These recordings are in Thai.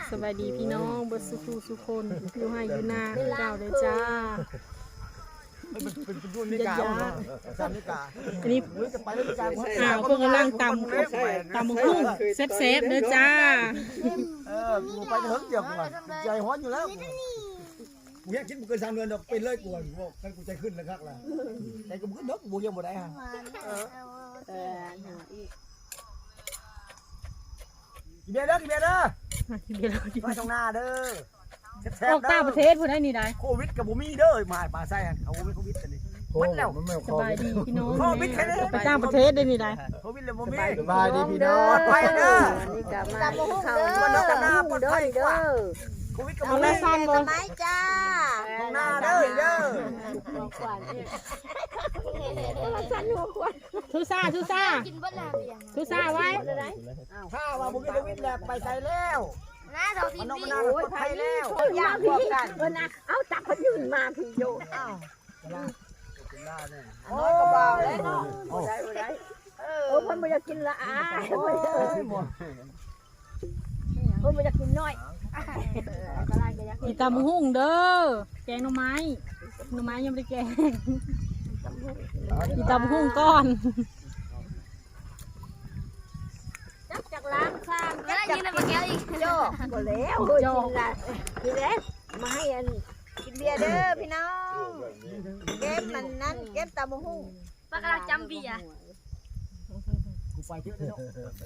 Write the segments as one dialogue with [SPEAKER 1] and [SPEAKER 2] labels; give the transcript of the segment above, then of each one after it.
[SPEAKER 1] สบายดีพี่น้องบ่สุขสุคนอยู่ให้อยู่นาเจ้าเลยจ้า
[SPEAKER 2] เป็นรุ่นนิกาสามนิกา
[SPEAKER 1] อันนี้
[SPEAKER 2] จะไปนิกา
[SPEAKER 1] เพิ่งกำลังตำหุ้งเซฟเด้อจ้า
[SPEAKER 2] กูไปเถิงเดียวกูใจฮ้อนอยู่แล้วกูอยากคิดมึงเกิน3 เดือนดอกเป็นเลยกูกันกูใจขึ้นแล้วครับล่ะใจกูขึ้นดอกกูยังบ่ได้ฮะกินเบียร์เด้อกินเบียร์เด้อ
[SPEAKER 1] เดี๋ยวเราดี
[SPEAKER 2] ไปตรงหน้าเด้อ
[SPEAKER 1] ออกต่างประเทศพุ่นได้นี่ได้
[SPEAKER 2] โควิดกับบ่มีเด้อมาปลาไส้เขาบ่มีโควิดกันนี่มันแล้ว
[SPEAKER 1] สบายดีพี่น้อง
[SPEAKER 2] โควิดแค่นี้
[SPEAKER 1] ไปต่างประเทศได้นี่ได้
[SPEAKER 2] โควิดเลยบ่มี
[SPEAKER 3] สบายดีพี่น้อง
[SPEAKER 2] ไปเด้อ
[SPEAKER 4] นี่ก็มาเข้าเด้อเด้อ
[SPEAKER 2] โควิดกับ
[SPEAKER 1] เอา
[SPEAKER 2] บ่
[SPEAKER 1] ละ
[SPEAKER 2] มี
[SPEAKER 1] สั้นบ่
[SPEAKER 4] สมัยจ้า
[SPEAKER 2] ตรงหน้าเด้อเด้อ
[SPEAKER 1] ทุซ่าไว้
[SPEAKER 2] ถ้าว่าบ่มีโควิดแล้วไปใส่แล้ว
[SPEAKER 4] น้าเราที
[SPEAKER 2] มันนอก
[SPEAKER 4] วี
[SPEAKER 2] มันนาปลอดภัยแล้ว
[SPEAKER 4] อยากพวกกันนะเอาจับพยืนมาพี่โย
[SPEAKER 2] โอ้ยก็บ่าวเลยเนาะ
[SPEAKER 4] ได้เพิ่นบ่อยากกินละอ้าเพิ่นบ่อยากกินน้อย
[SPEAKER 1] อีตำหุ้งเด้อแกงหน่อไม้ยังไม่ได้แกงอีตำหุ้งก้อน
[SPEAKER 4] จับจากล้างข้างจับจากมาแก้วอีกโยบ่แล้วกินละกินแล้วมาให้อันกินเบียร์เด้อพี่น้องเก็บมันนั้นเก็บตำหุ่ง
[SPEAKER 5] ปากกาจำเบียร์
[SPEAKER 2] กูไปเที่ยวเนาะ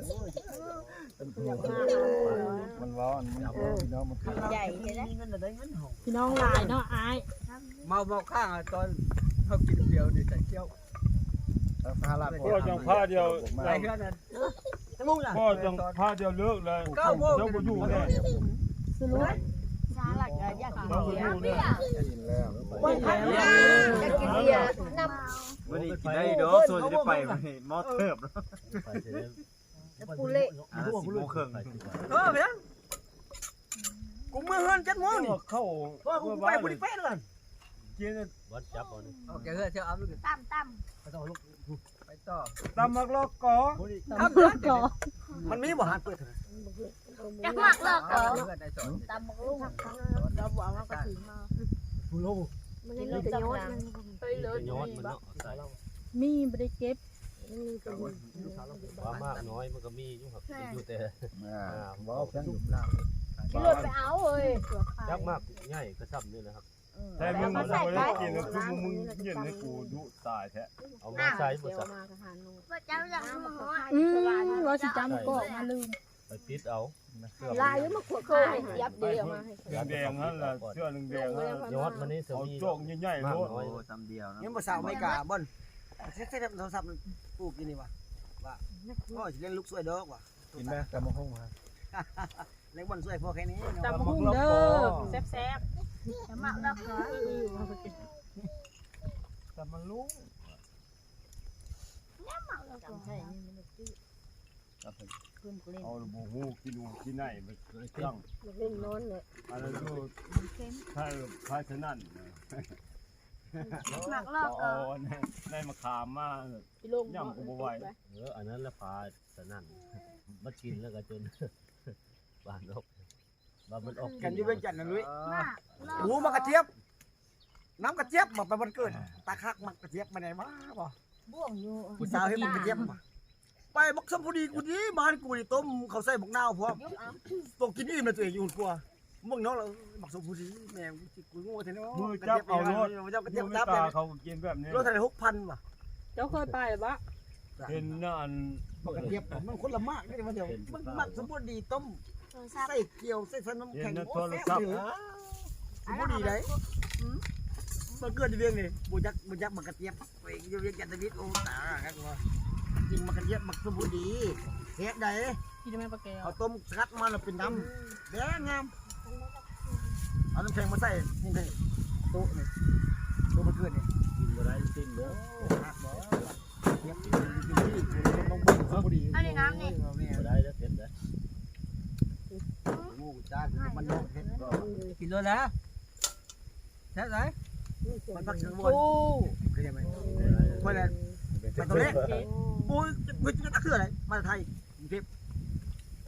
[SPEAKER 3] มันร้อนมันพี่น้องมัน
[SPEAKER 4] ใหญ่ใช่ไหม
[SPEAKER 2] มีเงินได้เงินหอม
[SPEAKER 1] พี่น้องหลายเนาะอาย
[SPEAKER 2] เมาข้างตอนเขากินเดียวนี่ใส่เที่ยว
[SPEAKER 3] พาลา
[SPEAKER 6] พ่อจังผ้าเดียว
[SPEAKER 2] ใส่เท่านั้นจะมุ่งล่ะ
[SPEAKER 6] พ่อจังผ้าเดียวเลิกเลยเจ้าบ่อยู่แน่
[SPEAKER 1] สรุป
[SPEAKER 4] สาหลักอยากกิน
[SPEAKER 6] เจ้าบ่
[SPEAKER 4] เบี
[SPEAKER 6] อย
[SPEAKER 4] ร์
[SPEAKER 6] ยู่แน่
[SPEAKER 3] กินแล้ว
[SPEAKER 4] อยากกินเบียร์น
[SPEAKER 3] วันนี้กินได้เด้อส่วนจะได้ไปมอเทิบแล้ว
[SPEAKER 4] ำปูเละ
[SPEAKER 3] 10 โมงครึ่ง
[SPEAKER 2] เพียงกูมือเฮือน7 โมงนี่
[SPEAKER 6] เข้า
[SPEAKER 2] พ่อกูไปบ่ได้เป๊ะเลย
[SPEAKER 6] กิน
[SPEAKER 3] วัดจับเอานี่
[SPEAKER 2] โอเคเฮ้ยเที่ยวเอาลูก
[SPEAKER 5] ตั้ม
[SPEAKER 2] ไปต่อลูกไปต่อ
[SPEAKER 6] ตำมักลอกกอ
[SPEAKER 2] ครับมันมีบ่หาเปิด
[SPEAKER 5] จักมากเลิก
[SPEAKER 4] ตำบักลุ่งเราบอกว่ากระถิ่นมา
[SPEAKER 2] กูโล
[SPEAKER 4] มันนี่มันจะย้อน
[SPEAKER 5] ไปเลย
[SPEAKER 3] ย้อนมันเนาะใส่
[SPEAKER 1] มีไม่ได้เก็บ
[SPEAKER 3] ว่ามากน้อยมันก็มีอยู่ครับอยู่แต่ว้าวแข็งอยู่ล่าง
[SPEAKER 4] ขี่รถไปเอาเอ้ย
[SPEAKER 3] จักมากใหญ่ก็ซ้ำนี่นะครับ
[SPEAKER 6] แต่มึงบ่ได้กินคือมึงเย็นให้กูดุตายแท้
[SPEAKER 3] เอามาใส่บ่สัก
[SPEAKER 5] ว่าเจ้าอยากมาหัว
[SPEAKER 1] ร้อยสิจำก็มาลืม
[SPEAKER 3] ไปติดเอา
[SPEAKER 4] ลายมาขวดเคยยับเดียวมาให้
[SPEAKER 6] แดงๆนั่นล่ะเสื้อแดงๆนั่น
[SPEAKER 3] ยอดมันนี่ส
[SPEAKER 6] เอา
[SPEAKER 3] มี
[SPEAKER 6] โจกใหญ่ๆ
[SPEAKER 3] มาก
[SPEAKER 6] โลด
[SPEAKER 3] น้อยซ้ำเดียวนะ
[SPEAKER 2] ยังบ่สาวไม่กล้าบ่นเซ็ตโทรศัพท์กูกินนี่ว่ะว่าพ่อสิเล่นลูกสวยดอกว่ะ
[SPEAKER 3] กินไหมตำมะฮุ่งฮะ
[SPEAKER 2] เล่นบ่นสวยพอแค่นี้
[SPEAKER 1] ตำหุ้งเด้อแซ่บ
[SPEAKER 5] จะมากเลิกเหรอ
[SPEAKER 6] แต่มันรู้ เอาบ่ฮู้กินอูกินไหนมันเครื่อง
[SPEAKER 4] เล่นนอนเลย
[SPEAKER 6] อันนั้นดูถ้าฉะนั้น
[SPEAKER 5] มากเลิกเหร
[SPEAKER 6] เอา
[SPEAKER 5] อ
[SPEAKER 6] ในมะขามมาย่ำกูบ่ไหว
[SPEAKER 3] อันนั้นละพาสนั่นมากินแล้วก็จนบ้านออกบ้านมันออก
[SPEAKER 2] กันอยู่เวียงจันทน์นะลุย
[SPEAKER 5] มากเลิก
[SPEAKER 2] หูมันกระเจี๊ยบน้ำกระเจี๊ยบมาไปวันเกิดตาคักมันกระเจี๊ยบมาไหนมาบ่
[SPEAKER 4] บ่วงอยู่
[SPEAKER 2] ผู้สาวให้มันกระเจี๊ยบมาไปบักสมพูดีกูดีบ้านกูนี่ต้มเขาใส่บักนาวพร้อมตกกินอิ่มเลยตัวเองอยู่กลัวมึงน้องเราบักสมพูดีแม่กูงูเท่านี้
[SPEAKER 6] มือจับเอารถ
[SPEAKER 2] เจ้ากระเจี๊ยบ
[SPEAKER 6] มือ
[SPEAKER 2] จับ
[SPEAKER 6] ตา
[SPEAKER 2] เลย
[SPEAKER 6] เขากินแบบนี้
[SPEAKER 2] รถเท่าไหร่6,000ว่ะ
[SPEAKER 1] เจ้าเคยไปหรือเปล่า
[SPEAKER 6] เป็นนั่น
[SPEAKER 2] บักกระเจี๊ยบมันคนละมากนี่มันเดียวมันมักสมพูดีต้มใส่เกี๊ยวใส่น้ำแข็งโอ้แซ่บเลยสมพูดีได้มันเกิดเวียงนี่บุยักบักกระเจี๊ยบไปอยู่เวียงจันทร์วิทย์โอ้ตาครับว่าจริงบักกระเจี๊ยบบักสมพูดีเฮ็ดได้
[SPEAKER 1] พี่จะไม่ปลาแก้ว
[SPEAKER 2] เอาต้มคัดมาแล้วเป็นน้ำแดงงามเอาน้ำแข็งมาใส่นี่เลยโต๊ะนี่โต๊ะมันเกิดนี่
[SPEAKER 3] กินบ่ได้สิ้นเด้อ
[SPEAKER 2] เทียบกินที่ต้องบุกพอดี
[SPEAKER 5] อันนี้น้ำนี่
[SPEAKER 3] บ่ได้แล้วเสร็จแล้ว
[SPEAKER 2] งูจ้ามันโลกเห็ดกินเลยนะใช่ไหมมันพักถึงบนก็ยังไงคนละมันตัวเล็กปูมันจะคืออะไรมาไทยกรุงเทพ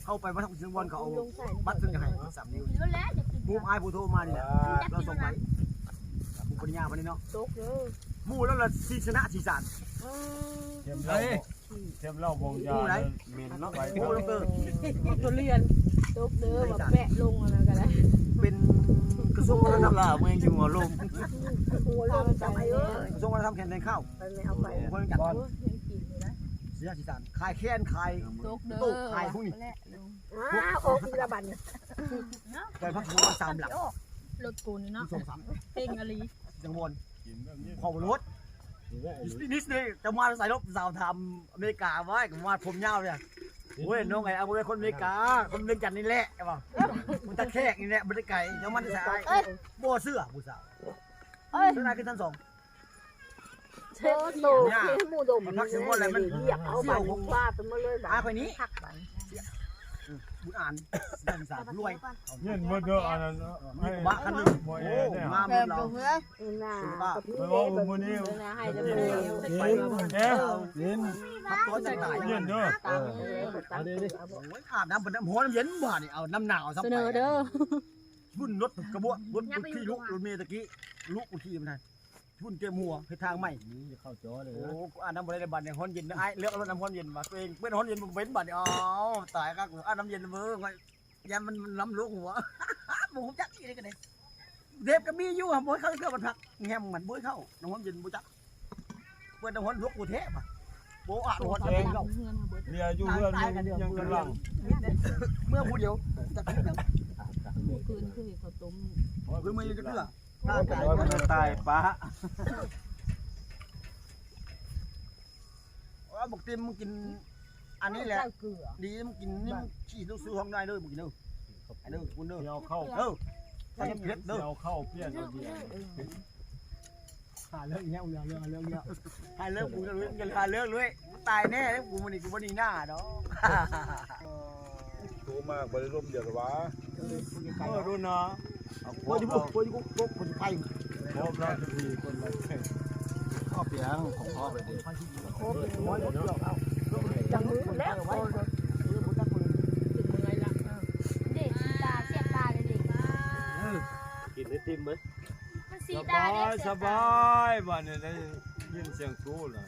[SPEAKER 2] เข้าไปมาทำสินวันเขาเอาบัตรถึงให้3 นิ้ว
[SPEAKER 5] รู้แล้วจะกิน
[SPEAKER 2] หมู่อายผู้โทรมานี่แหละเราส่งไปผู้ปริญญาวันนี้เนาะ
[SPEAKER 4] ตกเด้อ
[SPEAKER 2] หมู่แล้วล่ะสีชนะสีสาน
[SPEAKER 6] เทียมเหล้าบงยาเมนเนาะไป
[SPEAKER 2] หมู่แล้วก็
[SPEAKER 1] ตัวเรียน
[SPEAKER 4] ตกเด้อแบบแปะลงอะไรกันแล้ว
[SPEAKER 2] เป็นกระทรวงวัฒนธรรม
[SPEAKER 6] ล่าเมืองอยู่หัวลม
[SPEAKER 4] หัวลงจำไอ้เอ้ย
[SPEAKER 2] กระทรวงวัฒนธรรมแข่งในข้าว
[SPEAKER 4] ไปไม่เอาไป
[SPEAKER 2] คนจัด
[SPEAKER 4] ยังกินอยู่นะ
[SPEAKER 2] สีสีสานขายแค้นขาย
[SPEAKER 1] ตกเด้อ
[SPEAKER 2] ตู้ขายพวกนี้
[SPEAKER 4] โอ้อีละบัน
[SPEAKER 2] ไปพักหัว3 หลัง
[SPEAKER 1] รถกูนี่เนาะ
[SPEAKER 2] ส่ง3
[SPEAKER 1] เพ่งอลี
[SPEAKER 2] จังวน
[SPEAKER 6] กินแบบนี้
[SPEAKER 2] ขอบรถนิดนี่จะมาใส่รถสาวทำอเมริกาไว้กับมาผมยาวเนี่ยโอ้ยน้องไงเอาไปคนอเมริกาคนเมืองจันทร์นี่แหละใช่ป่ะมันตะแคกนี่แหละมันได้ไก่ยังมันจะใส่โบเสื้อผู้สาวเสื้อไหนขึ้นชั้น2
[SPEAKER 4] เช็ดโตที่มูดมเรียกเอาบันฟาดมาเลยแบบ
[SPEAKER 2] อาคนนี้
[SPEAKER 4] ทักบัน
[SPEAKER 2] บุญอ่านนักศึกษารวย
[SPEAKER 6] เงินบ่เด้ออันนั้นให้
[SPEAKER 2] บ้าคันนึงโอ้มาเมืองเรา
[SPEAKER 4] น่า
[SPEAKER 6] ไปว่ามื้อนี้
[SPEAKER 4] ให้จะเป็น
[SPEAKER 2] ไป
[SPEAKER 6] เอ๊ะกิน
[SPEAKER 2] พักตัวจะตาย
[SPEAKER 6] เงินเด้อ
[SPEAKER 4] เอาดิ
[SPEAKER 2] โอ้ยอาบน้ำเป็นน้ำหัวน้ำเย็นบ่านี่เอาน้ำหนาวซับ
[SPEAKER 1] เสนอเด้อ
[SPEAKER 2] บุญรถกระบะรถขี่ลุกรถเมย์ตะกี้ลุกขี่มันทันบุญเตรียมหัวให้ทางใหม่
[SPEAKER 3] นี่เข้าจอเลย
[SPEAKER 2] โอ้
[SPEAKER 3] นะ
[SPEAKER 2] อาน้ำบริในบัตรเนี่ยฮ้อนเย็นไอ้เลือกรถน้ำฮ้อนเย็นมาตัวเองเป็นฮ้อนเย็นผมเป็นบัตรอ๋อตายก็อาน้ำเย็นเบ้อไงยันมันล้ำลุกหัวผมจักอีกกันเลยเด็บก็มีอยู่อ่ะบ่เข้าเครื่องมันพักแง้มมันบ่เข้าน้ำฮ้อนเย็นบ่จักเปิดน้ำฮ้อนลุกกูเทปอ่ะโบอาฮ้อนเองก็
[SPEAKER 6] เมียอยู่เพื่อนยังกำลัง
[SPEAKER 2] เมื่อผู้เดียวจะ
[SPEAKER 1] คืนคือเขาต้ม
[SPEAKER 2] คือมือจะเกลือ
[SPEAKER 6] ตายป้า
[SPEAKER 2] ว่าบอกเต็มมึงกินอันนี้แหละ
[SPEAKER 4] เกลือ
[SPEAKER 2] ดีมึงกินนี่มึงขี้ลูกซื้อห้องได้เลยมึงกินเด้อไอ้เด้อคุณเด้อ
[SPEAKER 6] เดี๋ยวเข้า
[SPEAKER 2] ใส่เผ็ดเด้อ
[SPEAKER 6] เดี๋ยวเข้าเปลี่ยนเอาเดียว
[SPEAKER 2] หาเรื่องเงี้ยเรื่องเงี้ยหาเรื่องกูจะรู้จะหาเรื่องเลยตายแน่แล้วกูมันนี่กูบ่ดีหน้าดอก
[SPEAKER 6] โตมากบ่ได้ร่มเดียวหรอวะดูนะ
[SPEAKER 2] โอ้ยพวกคนไทย
[SPEAKER 6] พบแล้วทีคนละ
[SPEAKER 3] ข้อเปียงของพ่อไปดิ
[SPEAKER 4] โคบร้อยเดียวเอาจังมือแล้ว
[SPEAKER 5] เด็กตาเสียบตาเลยเด็ก
[SPEAKER 3] กินได้ติมไหม
[SPEAKER 5] มัน
[SPEAKER 6] ส
[SPEAKER 5] สีตา
[SPEAKER 6] บา
[SPEAKER 5] เนี่ย
[SPEAKER 6] ย
[SPEAKER 5] เสี
[SPEAKER 6] ส
[SPEAKER 5] ยบตา
[SPEAKER 6] บายบ้านนี้ได้ยินเสียงครูแล้ว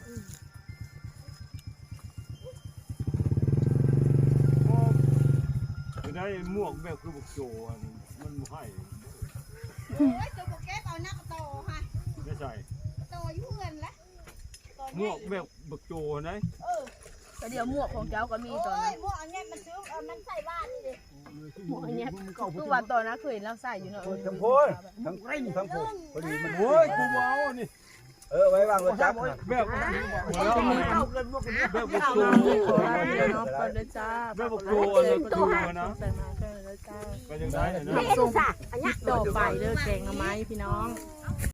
[SPEAKER 6] คือได้หมวกแบบคือบุกโจมันให้
[SPEAKER 4] โอ้ยตัวแก้เอาหน้ากระโตค่ะ
[SPEAKER 6] ไม่ใช่
[SPEAKER 4] โตยุ่งเงินละ
[SPEAKER 6] หมวกแบบบุกโจนะ
[SPEAKER 1] แต่เดี๋ยวหมวกของเจ้าก็มีตอน
[SPEAKER 4] โอ้
[SPEAKER 1] นั้
[SPEAKER 4] ย
[SPEAKER 1] น
[SPEAKER 4] หมวกอันนี้มันซื้อมันใส่บ้านนี่ดิ
[SPEAKER 1] หมวกอันเนี้ยคือวันตอนนั้นเคยเราใส่อยู่เนาะ
[SPEAKER 6] ทั้งโพยทั้งไร่ทั้งโพยพอดีมันโอ้ยกูเอานี่
[SPEAKER 2] ไว้วางรถจักร
[SPEAKER 6] แบบแล้ว
[SPEAKER 2] เข้าเกินพวกนี้
[SPEAKER 6] แบบบุกโจ
[SPEAKER 1] ขอได้เนาะก่อนเด้อจ้า
[SPEAKER 6] แบบบุกโจอะไรก็ดูนะ
[SPEAKER 1] ใส่มาก็เลยจ้า
[SPEAKER 6] ก็ยังได้นะ
[SPEAKER 4] นี่ดูซะอันนี้
[SPEAKER 1] ต่อไปเด้อแกงหน่อไม้พี่น้อง